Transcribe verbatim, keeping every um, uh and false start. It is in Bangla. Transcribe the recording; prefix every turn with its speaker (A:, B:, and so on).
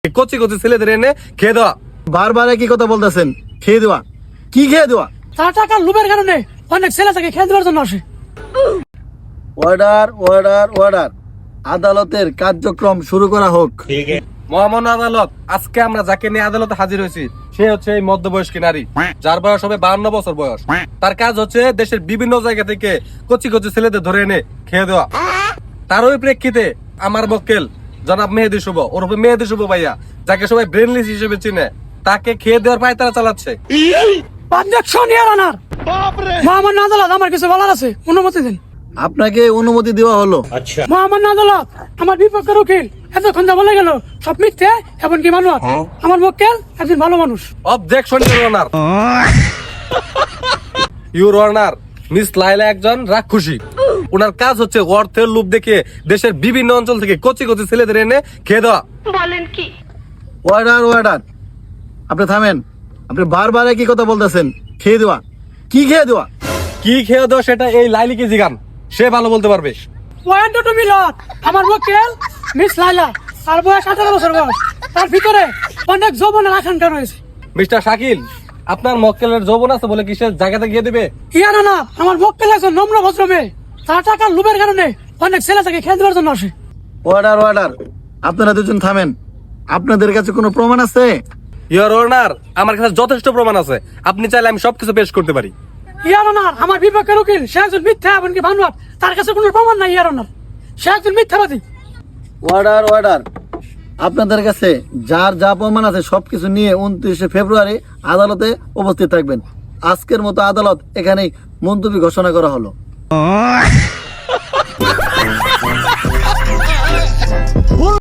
A: কচি কচি ছেলেদের এনে খেয়ে দেওয়া।
B: বারবার একই কথা বলতেছেন, খেয়ে দেওয়া। কি খেয়ে দেওয়া?
C: তার টাকার লোভের কারণে অনেক ছেলে তাকে খেয়ে দেওয়ার জন্য আসে।
B: অর্ডার অর্ডার অর্ডার আদালতের কার্যক্রম শুরু করা হোক।
A: মহামান্য আদালত, আজকে আমরা যাকে নিয়ে আদালতে হাজির হয়েছি সে হচ্ছে এই মধ্যবয়স্ক নারী, যার বয়স হবে বাহান্ন বছর বয়স। তার কাজ হচ্ছে দেশের বিভিন্ন জায়গা থেকে কচি কচি ছেলেদের ধরে এনে খেয়ে দেওয়া। তার ওই প্রেক্ষিতে আমার মক্কেল জনাব মেহেদী শুভ ওরফে মেহেদী শুভ ভাইয়া, যাকে সবাই ব্রেনলিস হিসেবে চিনে, তাকে খেয়ে দেওয়ার পায়তারা চালাচ্ছে।
C: Objection your honour. মহামান্য আদালত, আমার কিছু বলার আছে, অনুমতি দিন।
B: আপনাকে অনুমতি দেওয়া হলো।
C: মহামান্য আদালত, আমার বিপক্ষের উকিল এতক্ষণ যা বলে গেল সব মিথ্যে, এমনকি মানুষ। আমার মক্কেল একজন ভালো মানুষ।
A: Objection your honour. Your honour, miss Laila একজন রাক্ষসী। ওনার কাজ হচ্ছে অর্থের লোভ দেখে দেশের বিভিন্ন অঞ্চল থেকে কচি কচি ছেলেদের এনে খেয়ে দেওয়া।
D: বলেন কি?
B: অর্ডার অর্ডার আপনি থামেন। আপনি বারবার একই কথা বলতেছেন, খেয়ে দেওয়া। কি খেয়ে দেওয়া?
A: কি খেয়ে দেওয়া সেটা এই লাইলিকে জিগান, সে ভালো বলতে পারবে।
C: Point to Milan. আমার মক্কেল মিস লাইলা, তার বয়স আঠারো বছর বয়স। তার ভিতরে অনেক যৌবনের আকাঙ্ক্ষা রয়েছে।
A: মিস্টার শাকিল, আপনার মক্কেলের যৌবন আছে বলে কি সে জায়গাতে গিয়ে দিবে?
C: ইয়ার না, আমার মক্কেল একজন নম্র ভদ্র মেয়ে। তার টাকার লোভের কারণে অনেক ছেলে তাকে খেয়ে দেওয়ার জন্য আসে।
B: অর্ডার অর্ডার আপনারা দুজন থামেন। আপনাদের কাছে কোনো প্রমাণ আছে?
A: ইওর অনার, আমার কাছে যথেষ্ট প্রমাণ আছে, আপনি চাইলে আমি সবকিছু পেশ করতে পারি।
C: ইয়ার অনার, আমার বিপক্ষের উকিল সে একজন মিথ্যা, এমনকি বানোয়াট। তার কাছে কোনো প্রমাণ নাই ইয়ার অনার, সে একজন মিথ্যাবাদী।
B: অর্ডার অর্ডার আপনাদের কাছে যার যা প্রমাণ আছে সবকিছু নিয়ে উনত্রিশে ফেব্রুয়ারি আদালতে উপস্থিত থাকবেন। আজকের মতো আদালত এখানেই মুলতবি ঘোষণা করা হলো।